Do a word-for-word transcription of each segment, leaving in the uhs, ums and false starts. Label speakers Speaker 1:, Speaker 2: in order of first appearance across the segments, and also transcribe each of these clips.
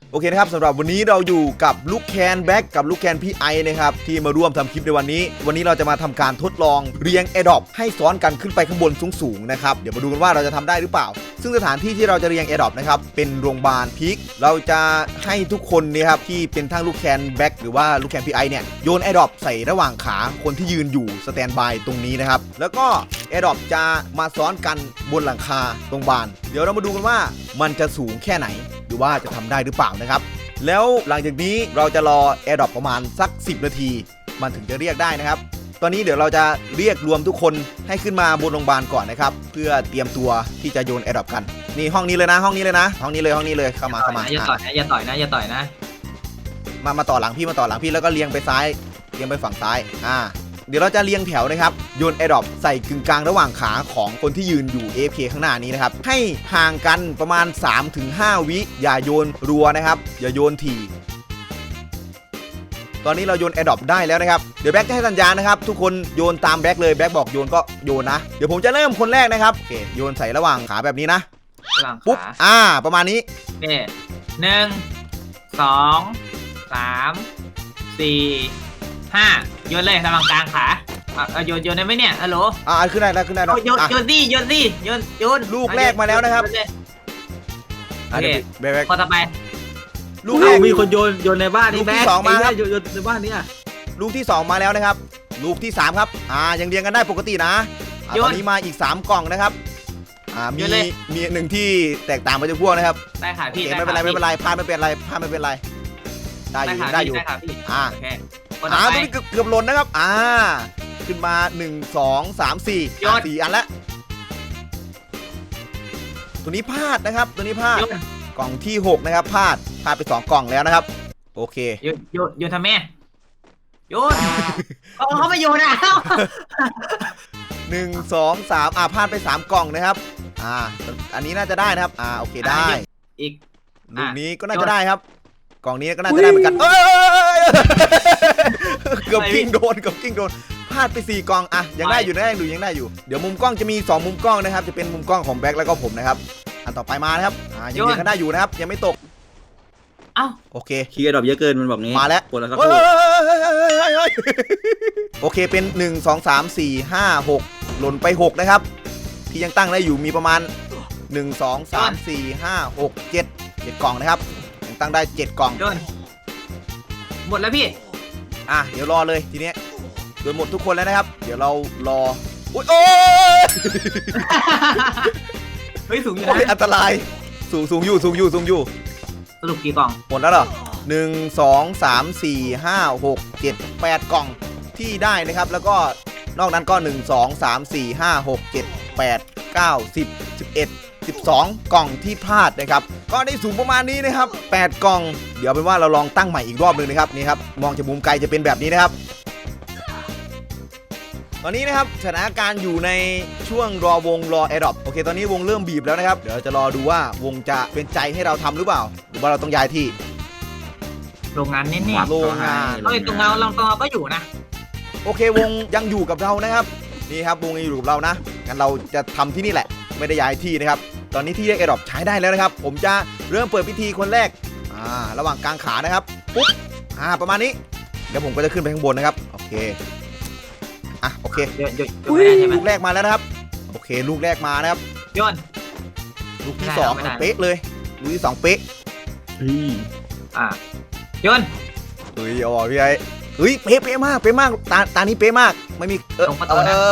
Speaker 1: โอเคนะครับสำหรับวันนี้เราอยู่กับลูกแคนแบ็กกับลูกแคนพี่ไอนะครับที่มาร่วมทำคลิปในวันนี้วันนี้เราจะมาทำการทดลองเรียงแอร์ดรอปให้ซ้อนกันขึ้นไปข้างบนสูงๆนะครับเดี๋ยวมาดูกันว่าเราจะทำได้หรือเปล่าซึ่งสถานที่ที่เราจะเรียงแอร์ดรอปนะครับเป็นโรงพยาบาลพิกเราจะให้ทุกคนเนี่ยครับที่เป็นทั้งลูกแคนแบ็กหรือว่าลูกแคนพี่ไอเนี่ยโยนแอร์ดรอปใส่ระหว่างขาคนที่ยืนอยู่สแตนบายตรงนี้นะครับแล้วก็แอร์ดรอปจะมาซ้อนกันบนหลังคาโรงพยาบาลเดี๋ยวเรามาดูกันว่ามันจะสูงแค่ไหนหรือว่าจะทำได้หรือเปล่านะครับแล้วหลังจากนี้เราจะรอ AirDrop ประมาณสักสิบนาทีมันถึงจะเรียกได้นะครับตอนนี้เดี๋ยวเราจะเรียกรวมทุกคนให้ขึ้นมาบนโรงพยาบาลก่อนนะครับเพื่อเตรียมตัวที่จะโยน AirDrop กันนี่ห้องนี้เลยนะห้องนี้เลยนะห้องนี้เลยห้องนี้เลยเข้ามาเข้ามา
Speaker 2: อย่าต่อยนะอย่าต่อยนะอย่าต่อยนะ
Speaker 1: มามาต่อหลังพี่มาต่อหลังพี่แล้วก็เรียงไปซ้ายเรียงไปฝั่งซ้ายอ่าเดี๋ยวเราจะเรียงแถวนะครับโยน AirDrop ใส่กึ่งกลางระหว่างขาของคนที่ยืนอยู่ เอ เอฟ เค ข้างหน้านี้นะครับให้ห่างกันประมาณ สามถึงห้า วิอย่าโยนรัวนะครับอย่าโยนถี่ตอนนี้เราโยน AirDrop ได้แล้วนะครับเดี๋ยวแบ็คจะให้สัญญาณนะครับทุกคนโยนตามแบ็คเลยแบ็คบอกโยนก็โยนนะเดี๋ยวผมจะเริ่มคนแรกนะครับโอเคโยนใส่ระหว่างขาแบบนี้นะปุ๊บอ่าประมาณนี้
Speaker 2: นี่หนึ่งสองสามสี่ห้าโยนเลยระหว่างกลางขาอ่ะโยนโยนได้ไหมเนี่ยฮัลโหล
Speaker 1: อ่าขึ้นได้แล้วขึ้นได้แล้ว
Speaker 2: โยนโยนดิโยนดิโยนโยน
Speaker 1: ลูกแรกมาแล้วนะครับ
Speaker 2: โอเคแบ็คพอต่อไป
Speaker 3: ลูกแรกมีคนโยนโยนในบ้านนี่แบ็คสองมาครับโยนในบ้านนี่
Speaker 1: ลูกที่สองมาแล้วนะครับลูกที่สามครับอ่ายังเรียงกันได้ปกตินะตอนนี้มาอีกสามกล่องนะครับอ่ามีมีหนึ่งที่แตกต่างไปจากพวกนะครับ
Speaker 2: ได้ค่ะพี่
Speaker 1: ไม่เป็นไรไม่เป็นไรพลาดไม่เป็นไรพลาดไม่เป็นไรได้อยู่ได้อยู่อ่าอ่าตัวนี้เกือบเกือบหล่นนะครับอ่าขึ้นมาหนึ่ง สอง สาม สี่สี่อันแล้วตัวนี้พลาดนะครับตัวนี้พลาดกล่องที่หกนะครับพลาดพลาดไปสองกล่องแล้วนะครับโอเค
Speaker 2: โยนโยนโยนทำแม่โยนเขาเขาไม่โยนอ่ะ
Speaker 1: หนึ่ง สอง สามอ่าพลาดไปสามกล่องนะครับอ่าอันนี้น่าจะได้นะครับอ่าโอเคได้
Speaker 2: อีก
Speaker 1: ลูกนี้ก็น่าจะได้ครับกล่องนี้ก็น่าจะได้เหมือนกันเอ้ยเกือบกิ้งโดนเกือบกิ้งโดนพลาดไปสี่กล่องอ่ะยังได้อยู่นะยังดูยังได้อยู่เดี๋ยวมุมกล้องจะมีสองมุมกล้องนะครับจะเป็นมุมกล้องของแบ็คแล้วก็ผมนะครับอันต่อไปมานะครับอ่ายังยังกันได้อยู่นะครับยังไม่ตก
Speaker 2: เอ้า
Speaker 1: โอเค
Speaker 3: คีย์ดรอปเยอะเกินมันบอกงี้
Speaker 1: มาแล้ว
Speaker 3: ปวดแล้วสัก
Speaker 1: โอเคเป็นหนึ่ง สอง สาม สี่ ห้า หกหล่นไปหกนะครับที่ยังตั้งได้อยู่มีประมาณหนึ่ง สอง สาม สี่ ห้า หก เจ็ด เจ็ดกล่องนะครับยังตั้งได้เจ็ดกล่อง
Speaker 2: หมดแล้วพี่
Speaker 1: อ่ะเดี๋ยวรอเลยทีนี้โดนหมดทุกคนแล้วนะครับเดี๋ยวเรารออุ้ยโอ้ย
Speaker 2: เฮ้ยสูงอยู่นะ
Speaker 1: อันตรายสูงสูงอยู่สูงอยู่สูงอยู่
Speaker 2: สรุปกี่กล่อง
Speaker 1: หมดแล้วเหรอหนึ่ง สอง สาม สี่ ห้า หก เจ็ด แปดกล่องที่ได้นะครับแล้วก็นอกนั้นก็หนึ่ง สอง สาม สี่ ห้า หก เจ็ด แปด เก้า สิบ สิบเอ็ด สิบสองกล่องที่พลาดนะครับก็ได้สูงประมาณนี้นะครับแปดกล่องเดี๋ยวเป็นว่าเราลองตั้งใหม่อีกรอบนึงนะครับนี่ครับมองจากมุมไกลจะเป็นแบบนี้นะครับตอนนี้นะครับสถานการณ์อยู่ในช่วงรอวงรอ AirDrop โอเคตอนนี้วงเริ่มบีบแล้วนะครับเดี๋ยวเราจะรอดูว่าวงจะเป็นใจให้เราทำหรือเปล่าหรือว่าเราต้องย้ายที่
Speaker 2: โรงงานนี่นี่
Speaker 1: โรงงาน
Speaker 2: เฮ้ยตรงเราลองกอก็อยู่นะ
Speaker 1: โอเควงยังอยู่กับเรานะครับนี่ครับวงยังอยู่กับเรานะงั้นเราจะทำที่นี่แหละไม่ได้ย้ายที่นะครับตอนนี้ที่เรียก AirDrop ใช้ได้แล้วนะครับผมจะเริ่มเปิดพิธีคนแรกอ่าระหว่างกลางขานะครับปุ๊บอ่าประมาณนี้เดี๋ยวผมก็จะขึ้นไปข้างบนนะครับโอเคอ่ะโอเคลูกแรกมาแล้วนะครับโอเคลูกแรกมานะครับ
Speaker 2: โยน
Speaker 1: ลูกที่สองเป๊ะเลยลูกที่สองเป๊ะ
Speaker 2: อ่ะโยน
Speaker 1: เฮ้ยอ๋อพี่ไอ้เฮ้ยเป๊ะเป๊ะมากเป๊ะมากตาตานี้เป๊ะมากไม่มีเออ
Speaker 2: ตรงประตูนะ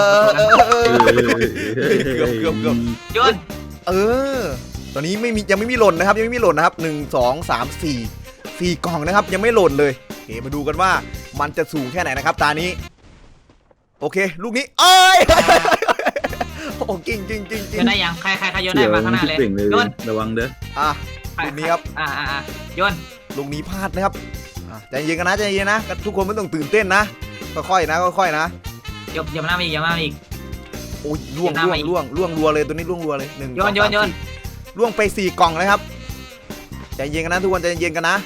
Speaker 1: เกือบเกือบเกือบ
Speaker 2: โยน
Speaker 1: เออตอนนี้ไม่มียังไม่มีหล่นนะครับยังไม่มีหล่นนะครับหนึ่ง สอง สาม สี่ สี่กล่องนะครับยังไม่หล่นเลยโอเคมาดูกันว่ามันจะสูงแค่ไหนนะครับตานี้โอเคลูกนี้เอ้ยโอ้กิ้งกิ้งกิ้งกิ้ง
Speaker 2: โยนได้ยังใครใครใครโยนได้มาข้างหน้าเลย
Speaker 3: โยนระวังเด้อ
Speaker 1: อ่ะลูกนี้ครับ
Speaker 2: อ่าอ่าโยน
Speaker 1: ลูกนี้พลาดนะครับใจเย็นกันนะใจเย็นนะทุกคนไม่ต้องตื่นเต้นนะค่อยๆนะค่อยๆนะ
Speaker 2: ยกยกหน้ามาอีกยกหน้ามาอีก
Speaker 1: โอ้ยล่วงล่วงล่วงล่วงรัวเลยตัวนี้ล่วงรัวเลยหนึ่ง
Speaker 2: โยนโยนโยน
Speaker 1: ล่วงไปสี่กล่องเลยครับใจเย็นกันนะทุกคนใจเย็นกันนะ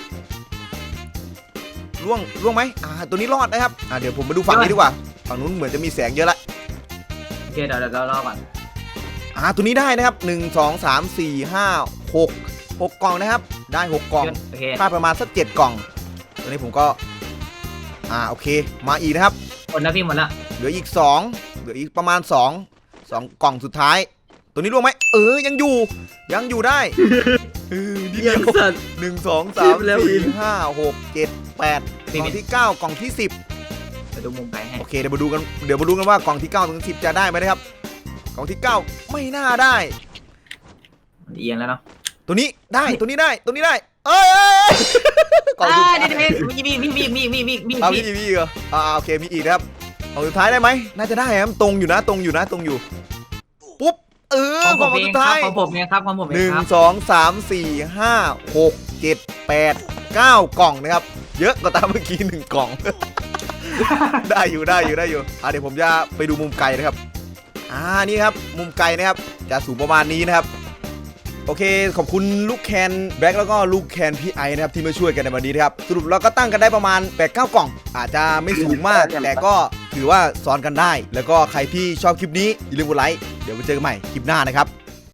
Speaker 1: ล่วงล่วงไหมอ่าตัวนี้รอดนะครับอ่าเดี๋ยวผมมาดูฝั่งนี้ดีกว่าฝั่งนู้นเหมือนจะมีแสงเยอะละ
Speaker 2: โอเคเดี๋ยวเดี๋ยวรอก่อน
Speaker 1: อ่าตัวนี้ได้นะครับหนึ่ง สอง สาม สี่ ห้า หก หกกล่องนะครับได้หกกล่อง
Speaker 2: โอเค
Speaker 1: ค่าประมาณสักเจ็ดกล่องตัวนี้ผมก็อ่าโอเคมาอีกนะครับ
Speaker 2: หมดแล้วพี่หมดแล้ว
Speaker 1: เหลืออีกสองเหลืออีกประมาณสอง สองกล่องสุดท้าย ตัวนี้ร่วงไหมเออยังอยู่ยังอยู่ได้เออนิดเดี
Speaker 3: ยั
Speaker 1: ย
Speaker 3: ง
Speaker 1: ว
Speaker 3: สัตว์
Speaker 1: หนึ่งสองสาม
Speaker 3: แล้ววิ
Speaker 1: สี่
Speaker 3: น
Speaker 1: ห้าหกเจ็ดแปดกล่องที่เก้ากล่องที่สิบ
Speaker 2: ไปดูมุมไกลให้
Speaker 1: โอเคเดี๋ยวมาดูกันเดี๋ยวมาดูกันว่ากล่องที่เก้าถึงสิบจะได้ไหมนะครับกล่องที่เก้าไม่น่าได้
Speaker 2: มันเอียงแล้วเนาะ
Speaker 1: ตัวนี้ได้ตัวนี้ได้ตัวนี้ได้เอ้ยเอ้ยเอ้ยกล่อง
Speaker 2: อ่า
Speaker 1: สุดท้าย
Speaker 2: เดี๋ยวๆมีมีมีมีมีมีมี
Speaker 1: เอา
Speaker 2: มี
Speaker 1: มีมีอีกเหรออ่าโอเคมีอีกนะครับกล่องสุดท้ายได้ไหมน่าจะได้ครับตรงอยู่นะตรงอยู่นะตรงอยู่ปุ๊บเออ
Speaker 2: ของ
Speaker 1: ก
Speaker 2: ผ
Speaker 1: ล่อ
Speaker 2: ม
Speaker 1: ง
Speaker 2: เอ
Speaker 1: สุ
Speaker 2: ง
Speaker 1: ด
Speaker 2: ครั
Speaker 1: ท้า
Speaker 2: บ
Speaker 1: ย
Speaker 2: ของผมเองครับของผมเอ
Speaker 1: หนึ่
Speaker 2: ง
Speaker 1: ง
Speaker 2: ครับ
Speaker 1: สองสามสี่ห้าหกเจ็ดแปดเก้ากล่องนะครับเยอะกว่าตามเมื่อกี้หนึ่งกล่อง ได้อยู่ได้อยู่ได้อยู่อ่ะเดี๋ยวผมจะไปดูมุมไกลนะครับอ่านี่ครับมุมไกลนะครับจะสูงประมาณนี้นะครับโอเคขอบคุณลูกแคนแบล็กแล้วก็ลูกแคนพี่ไอนะครับที่มาช่วยกันในวันนี้นะครับสรุปเราก็ตั้งกันได้ประมาณ แปดเก้า กล่อง อาจจะไม่สูงมาก แต่ก็ถือว่าซ้อนกันได้ แล้วก็ใครที่ชอบคลิปนี้อย่าลืมกดไลค์เดี๋ยวไปเจอกันใหม่คลิปหน้านะครับ